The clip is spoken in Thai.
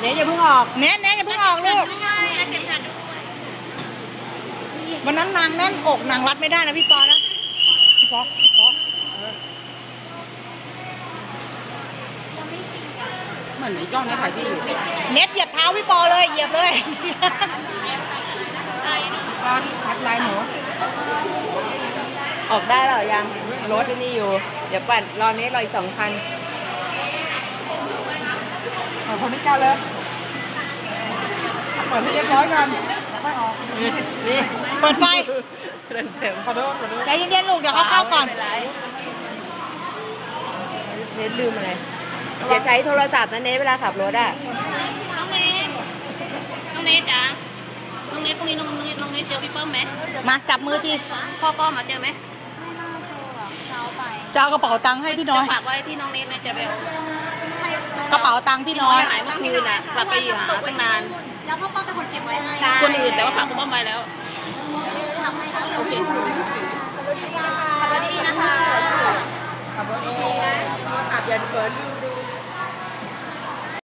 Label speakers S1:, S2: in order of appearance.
S1: เนี่ยอย่าเพิ่งออก
S2: เน้นอย่าเพิ่งออกลูกวันนั้นนางแน่นอกนางรัดไม่ได้นะพี่ปอนะพี่ปอ
S1: เหมือนไอ้จ้องเนี่ยขายพี่อยู่
S2: เน็ตเหยียบเท้าพี่ปอเลยเหยียบเลย
S1: ทักไลน์หนูออกได้หรอยังรถนี่อยู่เดี๋ยวปั่นรอนี้รออีก2 คัน
S2: คนนี้ก้าวเลยเปิดให้เรียบร้อยกันไม่ออก
S1: นี่
S2: เปิดไฟ
S1: เต็ม
S2: ขอโทษใจเย็นๆลูกเดี๋ยวเขาเข้าก่อน
S1: เน็ตลืมอะไรอย่าใช้โทรศัพท์นะเน็ตเวลาขับรถอ่ะ
S3: น้องเนทจ้ะน้องเนทพรุ่งนี้น้องเนทเจอพี่เปิ้มไหม
S2: มาจับมือที
S3: พ่อป้อมาเจอไหม
S4: ไม่น่าเจอหรอกเช้าไป
S2: จะเอากระเป๋าตังค์ให้พี่น้อย
S3: ฝากไว้ที่น้องเนทจะไปเอา
S2: กระเป๋าตังค์พี่น้อย
S3: หายเมื่อคืนน่ะกลับไปหาตั้งนาน
S4: แล้วพ่อป้อเป็นคนเก็บไว้ให้
S3: คนอื่นแต่ว่าฝากพ่อป้อมไว้แล้ว
S4: ทำให้แล้ว
S3: โอเค